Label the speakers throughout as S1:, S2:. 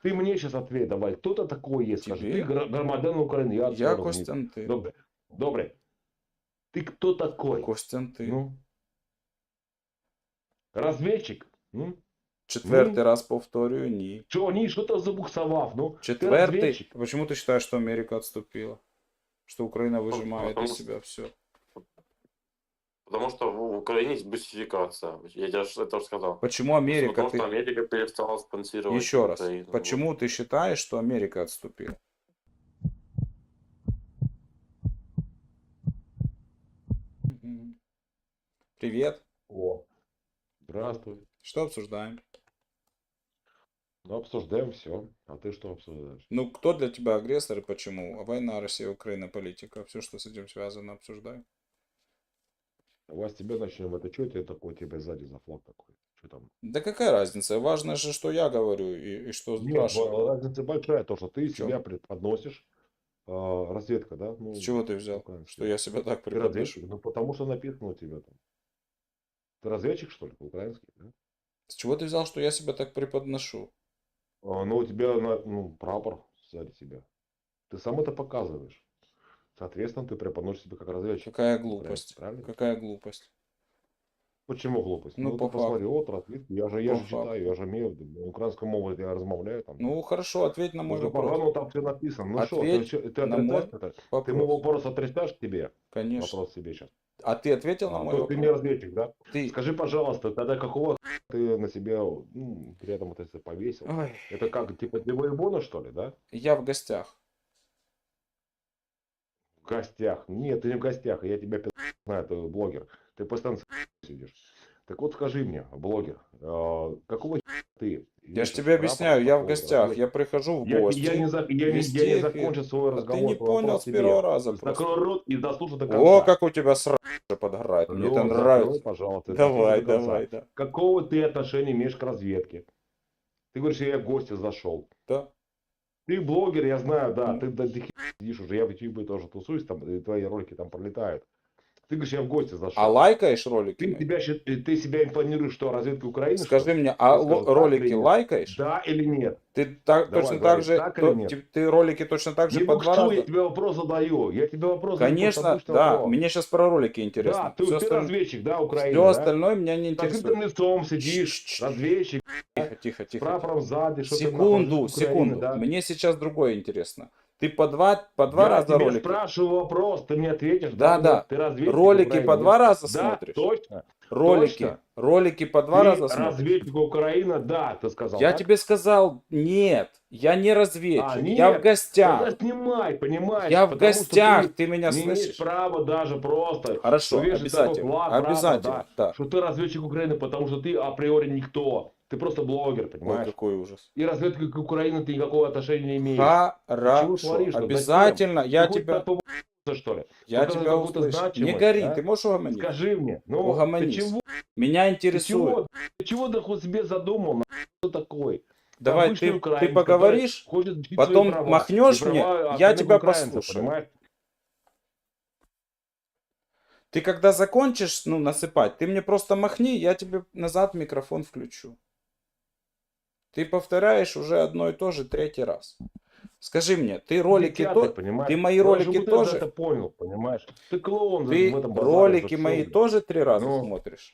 S1: Ты мне сейчас ответь, давай. Кто ты такой есть, скажи. Ты
S2: Тебе?
S1: громадян України, я
S2: Я
S1: все розумію.
S2: Костянтин.
S1: Добре. Добре. Ты кто такой?
S2: Костянтин.
S1: Ну? Разведчик?
S2: Четвертый
S1: Ні.
S2: раз повторюю, ні.
S1: Что, ні, что-то забуксовав, ну? Ты
S2: Четвертый.
S1: разведчик?
S2: Почему ты считаешь, что Америка отступила? Что Украина выжимает
S3: Потому
S2: из
S3: что-
S2: себя все?
S3: Потому что в Украине есть бусификация. Я тебе это уже сказал.
S2: Почему Америка?
S3: Потому что Америка перестала спонсировать
S2: Еще раз.
S3: Украину.
S2: Почему ты считаешь, что Америка отступила? Мгм. Привет.
S1: О, здравствуй.
S2: Что обсуждаем?
S1: Ну, обсуждаем все. А ты что обсуждаешь?
S2: Ну, кто для тебя агрессор и почему? А война, Россия, Украина, политика. Все, что с этим связано, обсуждаем.
S1: Давай с тебя начнем. Это что тебе такое, тебе сзади за флаг такой? Что там?
S2: Да какая разница? Важно же, что я говорю и что
S1: Нет,
S2: спрашиваю.
S1: разница большая, то, что ты
S2: В чём?
S1: себя преподносишь. Разведка, да? Ну,
S2: С чего ты взял,
S1: украинская.
S2: что я себя так
S1: Ты
S2: преподношу?
S1: разведчик? Ну, потому что написано у тебя там. Ты разведчик, что ли, по-украински? Да?
S2: С чего ты взял, что я себя так преподношу?
S1: Ну, у тебя прапор сзади тебя. Ты сам это показываешь. Соответственно, ты преподносишь себя как разведчик.
S2: Какая
S1: украинский,
S2: глупость.
S1: правильно?
S2: Какая глупость.
S1: Почему глупость?
S2: Ну,
S1: Ну,
S2: по
S1: ты посмотри,
S2: факту.
S1: от разведки. Я
S2: По
S1: же
S2: факту.
S1: читаю, я же имею украинскую мову, я размовляю там.
S2: Ну, хорошо, ответь на мой
S1: Уже
S2: вопрос.
S1: по-разному там все написано. Ну что,
S2: Ответь
S1: ты
S2: на мой
S1: отрицаешь это? Ты мой
S2: вопрос.
S1: вопрос отрицаешь тебе?
S2: Конечно.
S1: Вопрос себе сейчас.
S2: А ты ответил на мой
S1: То есть ты не
S2: вопрос?
S1: разведчик, да?
S2: Ты...
S1: Скажи, пожалуйста, тогда какого ты на себя, при этом это повесил?
S2: Ой,
S1: Это как, типа для воебона, что ли, да?
S2: я в гостях.
S1: В гостях. Нет, ты не в гостях, я тебя знаю, ты блогер. Ты постоянно сидишь. Так вот скажи мне, блогер, какого ты?
S2: Я же
S1: вешаешь
S2: тебе
S1: прапор
S2: объясняю, я в
S1: такой,
S2: гостях,
S1: разведчик?
S2: я прихожу в
S1: Я
S2: гости.
S1: не
S2: вести эфир.
S1: закончил свой
S2: А ты
S1: разговор,
S2: не
S1: свой
S2: понял
S1: вопрос
S2: с первого
S1: тебе.
S2: раза просто.
S1: Закрой рот и дослушай до конца.
S2: О, как у тебя сразу подгорает. Мне это
S1: Алло, закрой,
S2: нравится.
S1: пожалуйста,
S2: Давай,
S1: дослушай до конца.
S2: давай, да.
S1: Какого ты отношения имеешь к разведке? Ты говоришь, я в гости зашел.
S2: Да.
S1: Ты блогер, я знаю, да,
S2: Ну.
S1: ты до хера сидишь уже, я в YouTube тоже тусуюсь, там, и твои ролики там пролетают. Ты говоришь, я в гости зашел.
S2: А лайкаешь ролики мои?
S1: Ты себя импланируешь, что разведка Украины?
S2: Скажи
S1: что ли?
S2: мне, а
S1: Я скажу, так
S2: ролики
S1: или нет?
S2: лайкаешь?
S1: Да или нет?
S2: Ты так,
S1: Давай,
S2: точно
S1: говори,
S2: так же,
S1: так или нет?
S2: ты ролики точно так же
S1: Не
S2: по 2
S1: буксуй, я
S2: раза?
S1: тебе вопрос задаю. Я тебе вопрос задаю,
S2: Конечно,
S1: потому что
S2: да,
S1: вопрос.
S2: мне сейчас про ролики интересно.
S1: Да, ты
S2: Всё остальное-
S1: разведчик, да, Украины,
S2: Все
S1: да?
S2: остальное меня не
S1: С открытым
S2: интересует.
S1: лицом сидишь, разведчик,
S2: Тихо, тихо,
S1: с
S2: тихо.
S1: прапором сзади, что ты
S2: Секунду,
S1: нахуй, Украины,
S2: секунду.
S1: да?
S2: Мне сейчас другое интересно. Ты по два
S1: Я
S2: раза
S1: тебе
S2: ролики?
S1: спрашиваю вопрос, ты мне ответишь,
S2: Да,
S1: нет?
S2: да.
S1: Ты разведчик
S2: Ролики
S1: Украины,
S2: по 2
S1: нет?
S2: раза
S1: Да,
S2: смотришь?
S1: точно.
S2: Ролики.
S1: Точно.
S2: Ролики по 2
S1: Ты
S2: раза смотришь?
S1: разведчик Украины, да, ты сказал,
S2: Я
S1: так?
S2: тебе сказал, нет, я не разведчик,
S1: нет,
S2: я в гостях.
S1: Тогда снимай, понимаешь?
S2: Я в
S1: потому что
S2: гостях, ты
S1: не
S2: меня
S1: имеешь
S2: слышишь?
S1: права даже просто
S2: Хорошо,
S1: повешать такой
S2: обязательно,
S1: флаг, прапор,
S2: обязательно, да.
S1: что ты разведчик Украины, потому что ты априори никто. Ты просто блогер,
S2: Ой,
S1: понимаешь?
S2: какой ужас.
S1: И разведка Украины ты никакого отношения не имеешь. Ты чего
S2: Хорошо,
S1: творишь?
S2: обязательно, я
S1: Ты
S2: тебя,
S1: что ли?
S2: я
S1: Показывай
S2: тебя
S1: какую-то
S2: услышу. Не
S1: значимость,
S2: гори,
S1: да?
S2: ты можешь угомониться?
S1: Скажи мне, ну
S2: Угомонись.
S1: ты чего?
S2: Меня
S1: Ты
S2: интересует.
S1: чего ты хоть себе задумал? Кто такой?
S2: Давай,
S1: Обычный
S2: ты
S1: украинец,
S2: поговоришь,
S1: который хочет жить
S2: потом
S1: свои права.
S2: махнешь
S1: И
S2: мне,
S1: права
S2: я
S1: остальных
S2: тебя
S1: украинцев,
S2: послушаю.
S1: понимаешь?
S2: Ты когда закончишь, насыпать, ты мне просто махни, я тебе назад микрофон включу. Ты повторяешь уже одно и то же 3-й раз. Скажи мне, ты ролики
S1: Дитя,
S2: то, ты мои
S1: Ну,
S2: ролики
S1: чтобы ты
S2: тоже,
S1: это понял, понимаешь? Ты клоун
S2: ты
S1: в этом базаре
S2: ролики
S1: за
S2: мои
S1: всё, блядь.
S2: тоже 3 раза
S1: Ну.
S2: смотришь?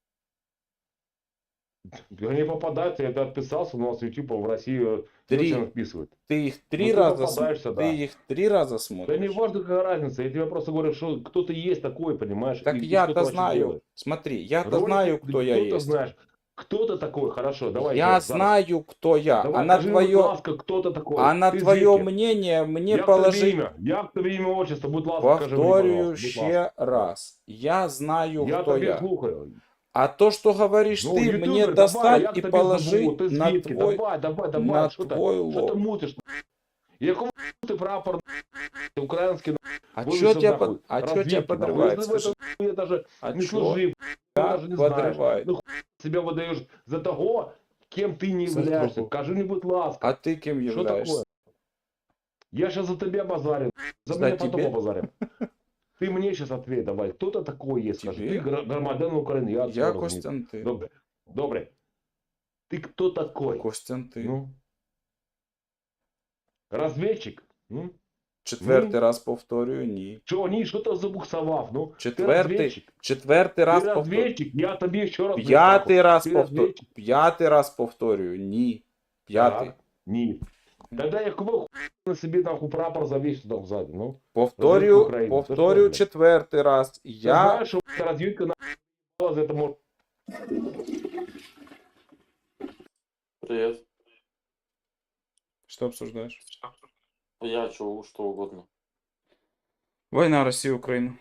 S1: Не попадаться, я отписался, но с YouTube в России не
S2: 3.
S1: очень вписывают.
S2: Ты их 3
S1: Ну, ты
S2: раза
S1: попадаешься, да.
S2: Ты их 3 раза
S1: Да
S2: смотришь?
S1: не важно, какая разница, я тебе просто говорю, что кто-то есть такой, понимаешь?
S2: Так
S1: и что ты
S2: я-то
S1: вообще
S2: знаю.
S1: делаешь.
S2: Смотри, я-то
S1: Ролики,
S2: знаю, кто я
S1: кто-то
S2: есть.
S1: знаешь. Кто-то такой, хорошо, давай.
S2: Я
S1: Жень,
S2: знаю, кто я.
S1: Давай,
S2: а на
S1: скажи мне, будь
S2: твое,
S1: ласка, кто-то такой.
S2: а на
S1: Ты
S2: твое
S1: звідки?
S2: мнение мне
S1: Як тобі
S2: положить.
S1: ім'я? Як тобі ім'я, отчество? Будь ласка, скажи мені,
S2: Повторюю
S1: пожалуйста, будь
S2: ще
S1: ласка.
S2: раз. Я знаю,
S1: Я
S2: кто
S1: тобі
S2: я.
S1: слухаю.
S2: А то, что говоришь
S1: Ну,
S2: ты,
S1: ютубер,
S2: мне
S1: давай,
S2: достать
S1: як
S2: и
S1: тобі звуть?
S2: положить
S1: Ти
S2: на
S1: звідки?
S2: твой...
S1: Давай,
S2: на
S1: що
S2: твой
S1: ти, що ти
S2: лоб.
S1: мутиш? Якому ти прапор український?
S2: А
S1: Вылезешь
S2: что тебя,
S1: нахуй.
S2: а чё тебя
S1: Разведки, нахуй.
S2: подрывает?
S1: Если в
S2: Скажи,
S1: этом я даже
S2: а
S1: не
S2: чё
S1: служил, я даже не знаешь.
S2: подрывает?
S1: Ну себя выдаешь за того, кем ты не
S2: За
S1: являешься.
S2: того.
S1: Скажи мне, будь ласка.
S2: А ты кем
S1: Что
S2: являешься?
S1: такое? Я сейчас за тебя базарю. За
S2: За
S1: меня потом
S2: тебе?
S1: побазарим. Ты мне сейчас ответь, давай. Кто ты такой есть? Скажи.
S2: Тебе?
S1: Ты громадян Украины. Я
S2: Я Костянтин.
S1: Добре. Добре. Ты кто такой?
S2: Костянтин.
S1: Ну? Разведчик?
S2: Четвертий раз повторюю, ні.
S1: Что, ні, що ти забуксував? Ну, ти
S2: Четвертий
S1: разведчик.
S2: раз
S1: Ти
S2: повторюю.
S1: разведчик, я тобі ще раз
S2: П'ятий раз
S1: Ти
S2: повторюю.
S1: разведчик.
S2: П'ятий раз повторюю, ні. П'ятий.
S1: Так, ні. Тогда якого хуя на собі нахуй прапор завісив там ззаді, ну?
S2: Повторюю,
S1: України. Це
S2: повторюю
S1: що, блядь?
S2: четвертий раз.
S1: Ти
S2: Я...
S1: знаєш, що розвідка на за этому...
S3: Привет.
S2: Что обсуждаешь?
S3: Я что угодно.
S2: Война России-Украина.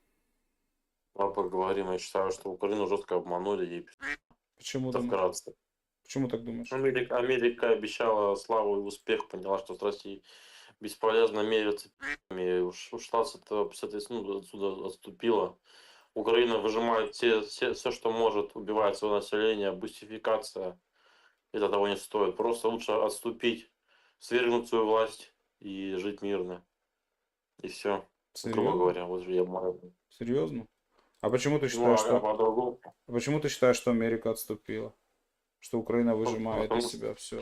S3: Давай поговорим. Я считаю, что Украину жестко обманули и
S2: Почему,
S3: это
S2: думаешь?
S3: вкратце.
S2: Почему так думаешь?
S3: Америка обещала славу и успех, поняла, что с Россией бесполезно мериться, и ушла с этой, ну, отсюда отступила. Украина выжимает все, что может, убивает свое население, бустификация. Это того не стоит. Просто лучше отступить, свергнуть свою власть и жить мирно. И все. Грубо
S2: Серьезно?
S3: говоря, вот я маю.
S2: Серьезно? А почему ты
S3: Ну,
S2: считаешь,
S3: а
S2: что...
S3: по-другому.
S2: А почему ты считаешь, что Америка отступила? Что Украина выжимает
S3: потому
S2: из
S3: что-
S2: себя все?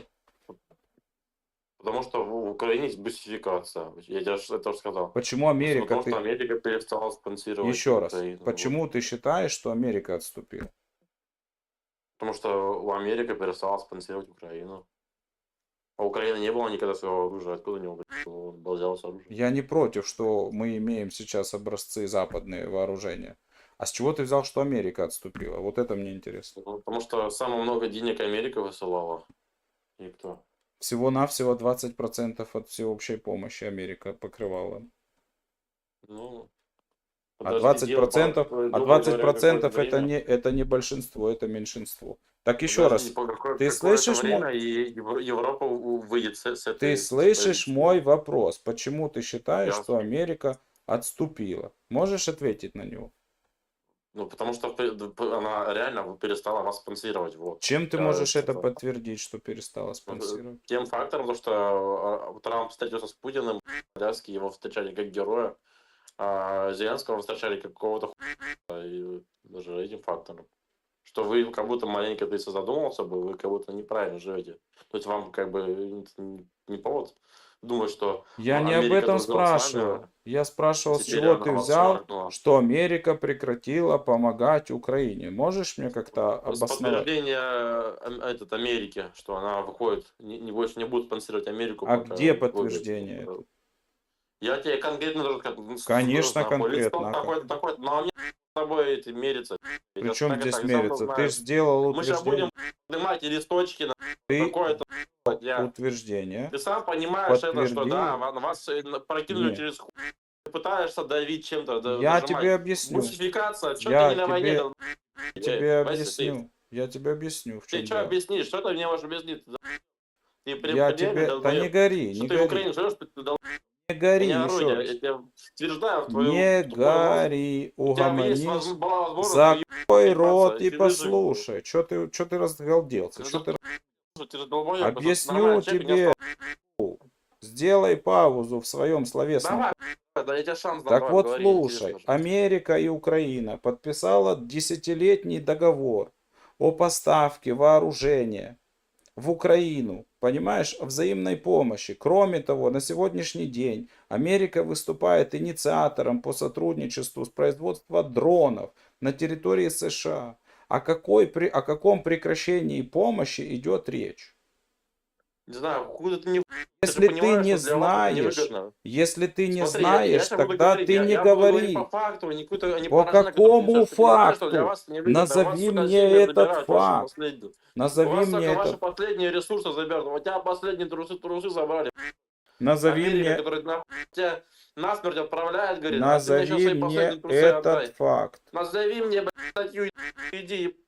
S3: Потому что в Украине есть бустификация. Я тебе это уже сказал.
S2: Почему Америка...
S3: Потому что
S2: Ты...
S3: Америка перестала спонсировать
S2: Еще раз.
S3: Украину. Вот.
S2: Почему ты считаешь, что Америка отступила?
S3: Потому что у Америка перестала спонсировать Украину. А у Украины не было никогда своего оружия. Откуда у него было взялось оружие?
S2: Я не против, что мы имеем сейчас образцы западные вооружения. А с чего ты взял, что Америка отступила? Вот это мне интересно.
S3: Ну, потому что самое много денег Америка высылала. И кто?
S2: Всего-навсего 20% от всеобщей помощи Америка покрывала.
S3: Ну,
S2: А
S3: подожди,
S2: 20%,
S3: дело,
S2: а
S3: грубо
S2: 20%
S3: говоря,
S2: это не большинство, это меньшинство. Так еще
S3: подожди,
S2: раз,
S3: по
S2: ты
S3: какое-то
S2: слышишь
S3: время и Европа выйдет с этой...
S2: ты слышишь мой вопрос. Почему ты считаешь,
S3: Я
S2: что Америка отступила? Можешь ответить на него?
S3: Ну, потому что она реально перестала вас спонсировать. Вот.
S2: Чем ты
S3: Я
S2: можешь это
S3: это-
S2: подтвердить, что перестала спонсировать?
S3: Тем фактором, то, что Трамп встретился с Путиным, Зеленский его встречали как героя, а Зеленского встречали как какого-то хуя, и даже этим фактором. Что вы как будто маленько, ты задумался бы, вы как будто неправильно живете. То есть вам как бы не повод думать, что
S2: Я
S3: ну,
S2: не об
S3: Америка
S2: этом
S3: дружила с нами,
S2: спрашивал. Я спрашивал, с
S3: теперь
S2: чего
S3: она
S2: ты
S3: вас
S2: взял,
S3: шваркнула.
S2: что Америка прекратила помогать Украине. Можешь мне как-то
S3: С
S2: обосновать?
S3: подтверждения Америки, что она выходит, больше не будет спонсировать Америку.
S2: А
S3: пока
S2: где
S3: выиграет.
S2: подтверждение этого?
S3: Я тебе конкретно даже как,
S2: Конечно,
S3: нахуй,
S2: конкретно,
S3: лицо
S2: а
S3: такое, но мне с тобой эти мериться.
S2: При
S3: Я
S2: чем
S3: так и
S2: здесь
S3: так сам
S2: мериться?
S3: знаю.
S2: Ты же сделал
S3: Мы сейчас будем
S2: утверждение.
S3: поднимать и листочки,
S2: Ты
S3: такое-то,
S2: утверждение.
S3: Ты сам понимаешь это, что да,
S2: Подтвердил.
S3: вас прокинули
S2: Нет.
S3: через хуй. Ты пытаешься давить чем-то,
S2: Я
S3: дожимать.
S2: тебе объясню.
S3: Мусификация, что
S2: Я
S3: ты не на войне?
S2: тебе-
S3: да,
S2: Я тебе
S3: понимаешь,
S2: объясню. Я тебе объясню, в чем
S3: Ты что
S2: дело.
S3: объяснишь? Что ты мне можешь объяснить? Ты прям
S2: Я
S3: реально
S2: тебе... Да
S3: долбоёб.
S2: не гори,
S3: Что
S2: не
S3: ты в
S2: гори.
S3: Украине живешь, ты
S2: Не гори,
S3: не
S2: еще
S3: орудие.
S2: раз.
S3: Я тебя утверждаю в твою...
S2: Не
S3: в твой мозг.
S2: гори,
S3: У тебя есть
S2: угомонись.
S3: была возможность
S2: Закрой рот и
S3: ты выжил.
S2: послушай. Чё ты разгалделся?
S3: Ну,
S2: Чё ты...
S3: Ты же долбоёб, потому что
S2: Объясню
S3: нормальный человек не
S2: тебе.
S3: остался.
S2: Сделай паузу в своем словесном.
S3: Давай, да я тебе шанс дам.
S2: Так
S3: давай,
S2: вот,
S3: говори,
S2: слушай,
S3: интересно же.
S2: Америка и Украина подписала 10-летний договор о поставке вооружения в Украину, понимаешь, о взаимной помощи. Кроме того, на сегодняшний день Америка выступает инициатором по сотрудничеству с производством дронов на территории США. О каком прекращении помощи идет речь?
S3: Не знаю, хуй ты не...
S2: Если ты
S3: понимаешь,
S2: не
S3: что для вас это
S2: знаешь,
S3: невыгодно.
S2: если ты не
S3: Смотри,
S2: знаешь,
S3: щас буду
S2: тогда
S3: говорить,
S2: ты не
S3: я буду говорить
S2: говори.
S3: по факту, не какую-то, не
S2: По
S3: поражение,
S2: какому
S3: которое ты понимаешь, что
S2: факту?
S3: для вас невыгодно.
S2: Назови
S3: Вас, сука,
S2: мне
S3: сильно
S2: этот
S3: забирают ваши
S2: факт.
S3: последние. У
S2: Назови
S3: вас,
S2: мне
S3: сука, ваши
S2: этот.
S3: последние ресурсы заберут. У тебя последние трусы забрали.
S2: Назови
S3: Америка,
S2: мне,
S3: которая нахуй тебя насмерть отправляет, говорит, а ты мне сейчас
S2: назови
S3: свои
S2: мне
S3: последние трусы отдай.
S2: этот факт.
S3: Назови мне, блядь, статью, иди,